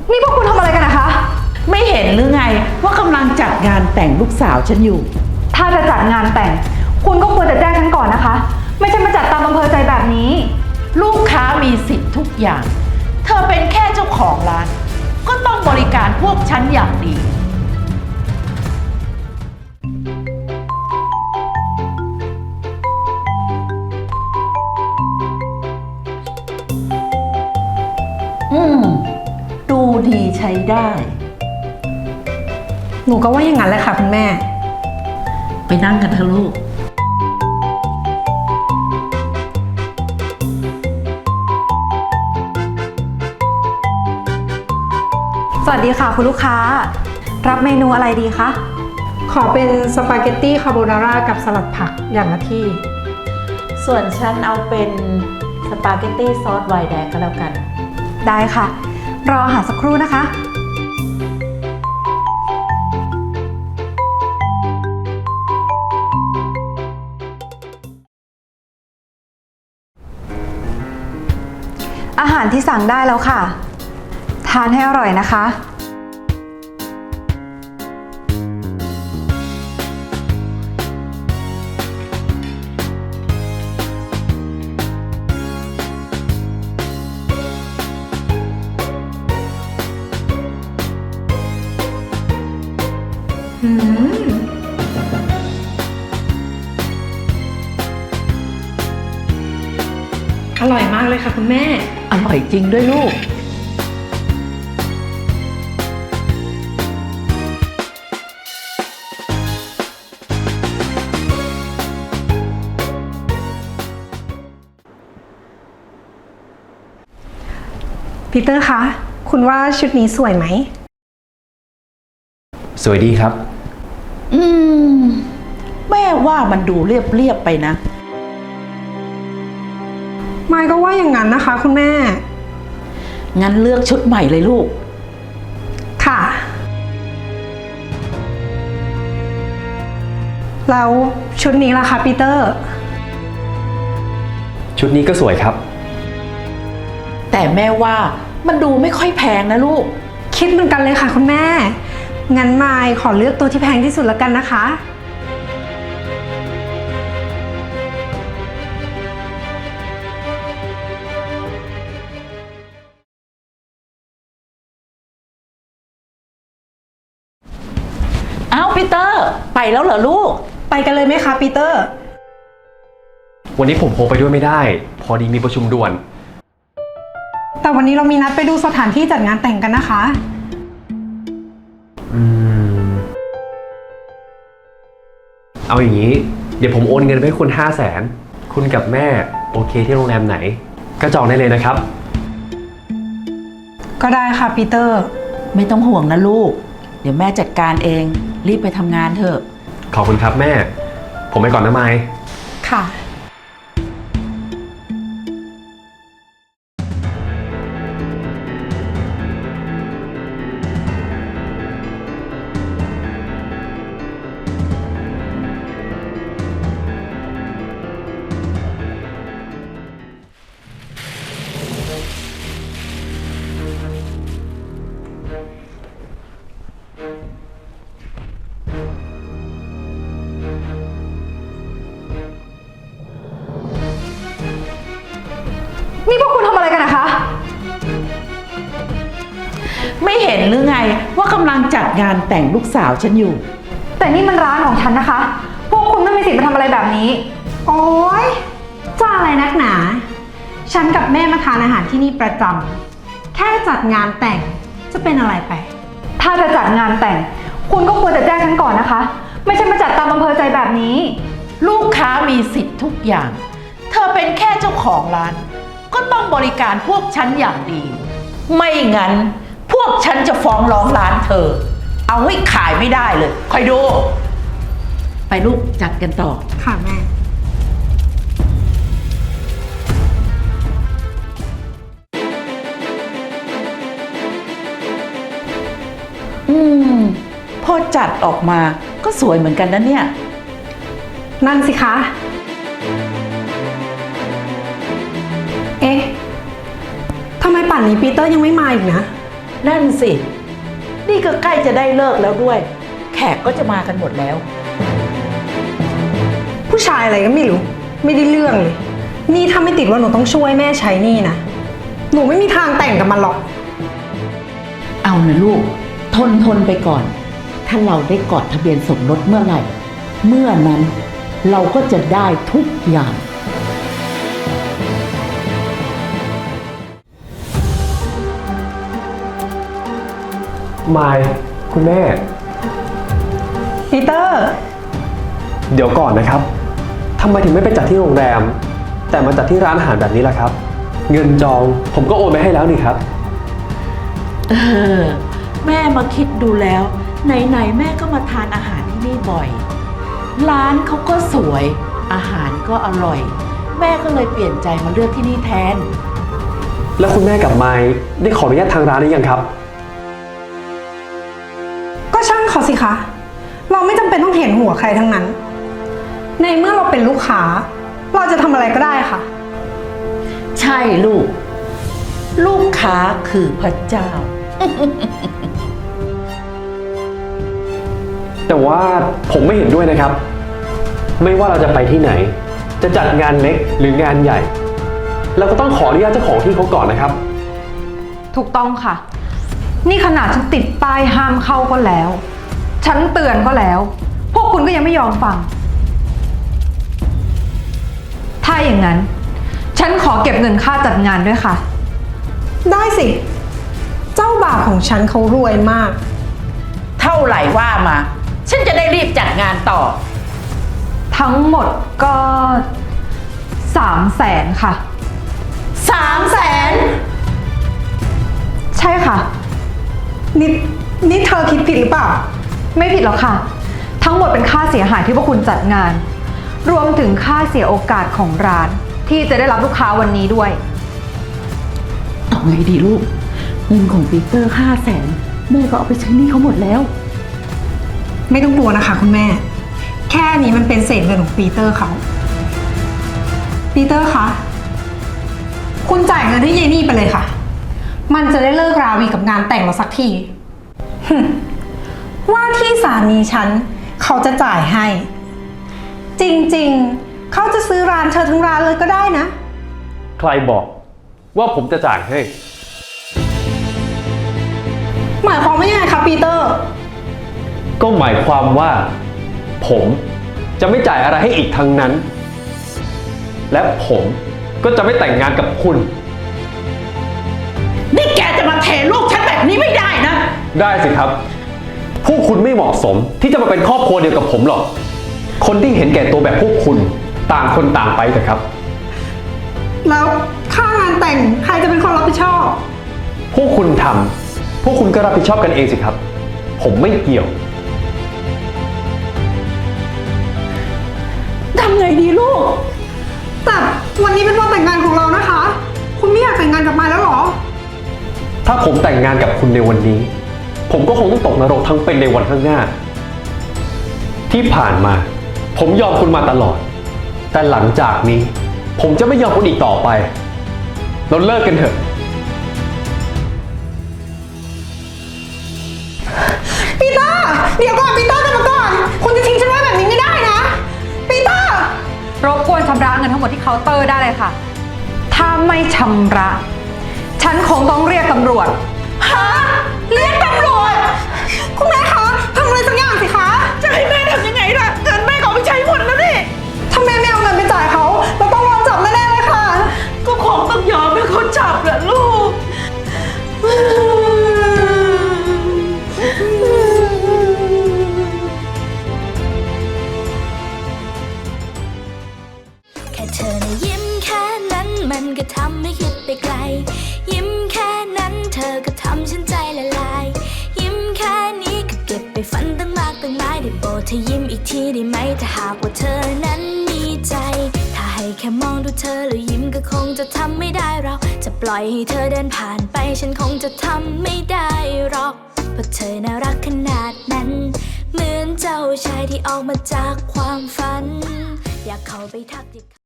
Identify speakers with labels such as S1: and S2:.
S1: นี่พวกคุณทำอะไรกันนะคะ
S2: ไม่เห็นหรือไงว่ากำลังจัดงานแต่งลูกสาวฉันอยู่
S1: ถ้าจะจัดงานแต่ง คุณก็ควรจะแจ้งฉันก่อนนะคะ ไม่ใช่มาจัดตามอำเภอใจแบบนี้
S2: ลูกค้ามีสิทธิ์ทุกอย่าง เธอเป็นแค่เจ้าของร้าน ก็ต้องบริการพวกฉันอย่างดี ดูดีใช้ได้
S3: หนูก็ว่าอย่างนั้นแหละค่ะคุณแม่
S2: ไปนั่งกันเถอะลูก
S1: สวัสดีค่ะคุณลูกค้า รับเมนูอะไรดีคะ
S3: ขอเป็นสปาเกตตี้คาโบนาร่ากับสลัดผักอย่างละที่
S2: ส่วนฉันเอาเป็นสปาเกตตี้ซอสไวน์แดงก็แล้วกัน
S1: ได้ค่ะ รออาหารสักครู่นะคะ อาหารที่สั่งได้แล้วค่ะ ทานให้อร่อยนะคะ
S3: อร่อยมากเลยค่ะคุณแม่
S2: อร่อยจริงด้วยลูก
S3: ปีเตอร์คะ คุณว่าชุดนี้สวยไหม
S4: สวยดีครับ
S2: แม่ว่ามันดูเรียบๆไปนะ
S3: มายก็ว่าอย่างนั้นนะคะคุณแม่
S2: งั้นเลือกชุดใหม่เลยลูก
S3: ค่ะ แล้วชุดนี้ล่ะคะปีเตอร์
S4: ชุดนี้ก็สวยครับ
S2: แต่แม่ว่ามันดูไม่ค่อยแพงนะลูก
S3: คิดเหมือนกันเลยค่ะคุณแม่ งั้นมายขอเลือกตัวที่แพงที่สุดแล้วกันนะคะ
S2: เอ้าปีเตอร์ ไปแล้วเหรอลูก
S3: ไปกันเลยไหมคะปีเตอร์
S4: วันนี้ผมคงไปด้วยไม่ได้ พอดีมีประชุมด่วน
S3: แต่วันนี้เรามีนัดไปดูสถานที่จัดงานแต่งกันนะคะ
S4: เอาอย่างนี้ เดี๋ยวผมโอนเงินไปให้คุณ500,000คุณกับแม่โอเคที่โรงแรมไหน ก็จองได้เลยนะครับ
S3: ก็ได้ค่ะปีเตอร์
S2: ไม่ต้องห่วงนะลูก เดี๋ยวแม่จัดการเอง รีบไปทำงานเถอะ
S4: ขอบคุณครับแม่ ผมไปก่อนนะไมค์
S3: ค่ะ
S1: นี่พวกคุณทำอะไรกันนะคะ
S2: ไม่เห็นหรือไงว่ากำลังจัดงานแต่งลูกสาวฉันอยู่
S1: แต่นี่มันร้านของฉันนะคะ พวกคุณไม่มีสิทธิ์มาทำอะไรแบบนี้
S3: โอ๊ยจ้าอะไรนักหนา ฉันกับแม่มาทานอาหารที่นี่ประจำ แค่จัดงานแต่งจะเป็นอะไรไป
S1: ถ้าจะจัดงานแต่ง คุณก็ควรจะแจ้งฉันก่อนนะคะ ไม่ใช่มาจัดตามอำเภอใจแบบนี้
S2: ลูกค้ามีสิทธิ์ทุกอย่าง เธอเป็นแค่เจ้าของร้าน ก็ต้องบริการพวกฉันอย่างดี ไม่งั้น พวกฉันจะฟ้องร้องร้านเธอ เอาให้ขายไม่ได้เลย คอยดู ไปลูกจัดกันต่อ
S3: ค่ะแม่
S2: พอจัดออกมาก็สวยเหมือนกันนะเนี่ย
S3: นั่นสิคะ เอ๊ะ ทำไมป่านนี้ปีเตอร์ยังไม่มาอีกนะ
S2: นั่นสิ นี่ก็ใกล้จะได้เลิกแล้วด้วย แขกก็จะมากันหมดแล้ว
S3: ผู้ชายอะไรก็ไม่รู้ ไม่ได้เรื่องเลย นี่ถ้าไม่ติดว่าหนูต้องช่วยแม่ใช้หนี่นะ หนูไม่มีทางแต่งกับมันหรอก
S2: เอานะลูก ทนไปก่อน ถ้าเราได้กอดทะเบียนสมรสเมื่อไหร่ เมื่อนั้นเราก็จะได้ทุกอย่าง
S4: มายคุณแม่
S3: ปีเตอร์
S4: เดี๋ยวก่อนนะครับทำไมถึงไม่ไปจัดที่โรงแรม แต่มาจัดที่ร้านอาหารแบบนี้ล่ะครับ เงินจองผมก็โอนไปให้แล้วนี่ครับ
S2: แม่มาคิดดูแล้ว ไหนๆแม่ก็มาทานอาหารที่นี่บ่อย ร้านเขาก็สวย อาหารก็อร่อย แม่ก็เลยเปลี่ยนใจมาเลือกที่นี่แทน
S4: แล้วคุณแม่กับไมค์ได้ขออนุญาตทางร้านหรือยังครับ
S3: ก็ช่างเขาสิคะ เราไม่จำเป็นต้องเห็นหัวใครทั้งนั้น ในเมื่อเราเป็นลูกค้า เราจะทำอะไรก็ได้ค่ะ
S2: ใช่ลูก ลูกค้าคือพระเจ้า
S4: แต่ว่าผมไม่เห็นด้วยนะครับ ไม่ว่าเราจะไปที่ไหน จะจัดงานเล็กหรืองานใหญ่ เราก็ต้องขออนุญาตเจ้าของที่เขาก่อนนะครับ
S1: ถูกต้องค่ะ นี่ขนาดฉันติดป้ายห้ามเข้าก็แล้ว ฉันเตือนก็แล้ว พวกคุณก็ยังไม่ยอมฟัง ถ้าอย่างนั้น ฉันขอเก็บเงินค่าจัดงานด้วยค่ะ
S3: ได้สิ เจ้าบ่าวของฉันเขารวยมาก
S2: เท่าไหร่ว่ามา ฉันจะได้รีบจัดงานต่อ
S1: ทั้งหมดก็300,000ค่ะ
S2: 300,000
S1: ใช่ค่ะ
S3: นี่เธอคิดผิดหรือเปล่า
S1: ไม่ผิดหรอกค่ะ ทั้งหมดเป็นค่าเสียหายที่พวกคุณจัดงาน รวมถึงค่าเสียโอกาสของร้าน ที่จะได้รับลูกค้าวันนี้ด้วย
S2: เอาไงดีลูก เงินของปีเตอร์500,000แม่ก็เอาไปใช้หนี้เขาหมดแล้ว
S3: ไม่ต้องกลัวนะคะคุณแม่ แค่นี้มันเป็นเศษเงินของปีเตอร์เขา ปีเตอร์คะ คุณจ่ายเงินให้เยนี่ไปเลยค่ะ มันจะได้เลิกราวีกับงานแต่งเราสักที ว่าที่สามีฉันเขาจะจ่ายให้ จริงๆ เขาจะซื้อร้านเธอทั้งร้านเลยก็ได้นะ
S4: ใครบอกว่าผมจะจ่ายให้
S3: หมายความว่ายังไงคะปีเตอร์
S4: ก็หมายความว่า ผมจะไม่จ่ายอะไรให้อีกทั้งนั้น และผมก็จะไม่แต่งงานกับคุณ
S2: นี่แกจะมาเทลูกฉันแบบนี้ไม่ได้นะ
S4: ได้สิครับ พวกคุณไม่เหมาะสมที่จะมาเป็นครอบครัวเดียวกับผมหรอก คนที่เห็นแก่ตัวแบบพวกคุณต่างคนต่างไปเถอะครับ
S3: แล้วค่างานแต่งใครจะเป็นคนรับผิดชอบ
S4: พวกคุณทำพวกคุณก็รับผิดชอบกันเองสิครับ ผมไม่เกี่ยว
S2: ทำไงดีลูก
S3: แต่วันนี้เป็นวันแต่งงานของเรานะคะ คุณไม่อยากแต่งงานกับมายแล้วเหรอ
S4: ถ้าผมแต่งงานกับคุณในวันนี้ ผมก็คงต้องตกนรกทั้งเป็นในวันข้างหน้า ที่ผ่านมา ผมยอมคุณมาตลอด แต่หลังจากนี้ ผมจะไม่ยอมคุณอีกต่อไป เราเลิกกันเถอะ
S3: ปีเตอร์ เดี๋ยวก่อนปีเตอร์กลับมาก่อน คุณจะทิ้งฉันไว้แบบนี้ไม่ได้นะ ปีเตอร์
S1: รบกวนชำระเงินทั้งหมดที่เคาน์เตอร์ได้เลยค่ะ ถ้าไม่ชำระ ฉันคงต้องเรียกตำรวจ
S3: ฮะ เรียกตำรวจ คุณแม่คะทำอะไรสักอย่างสิคะ
S2: จะให้แม่ทำยังไงล่ะ เงินแม่ก็เอาไปใช้หมดแล้วนี่
S3: ถ้าแม่ไม่เอาเงินไปจ่ายเขาเราต้องโดนจับแน่ๆเลยค่ะ
S2: ก็คงต้องยอมให้เขาจับแหละลูก
S5: แค่เธอนะยิ้มแค่นั้นมันก็ทำให้คิดไปไกล ยิ้มแค่นั้นเธอก็ทำฉันใจละลาย ยิ้มแค่นี้ก็เก็บไปฝันตั้งมากตั้งหลายได้โปรดเธอยิ้มอีกทีได้ไหมถ้าหากว่าเธอนั้นมีใจ ถ้าให้แค่มองดูเธอแล้วยิ้มก็คงจะทำไม่ได้เราจะปล่อยให้เธอเดินผ่านไปฉันคงจะทำไม่ได้หรอกเพราะเธอน่ารักขนาดนั้น เหมือนเจ้าชายที่ออกมาจากความฝัน อยากเข้าไปทักทิ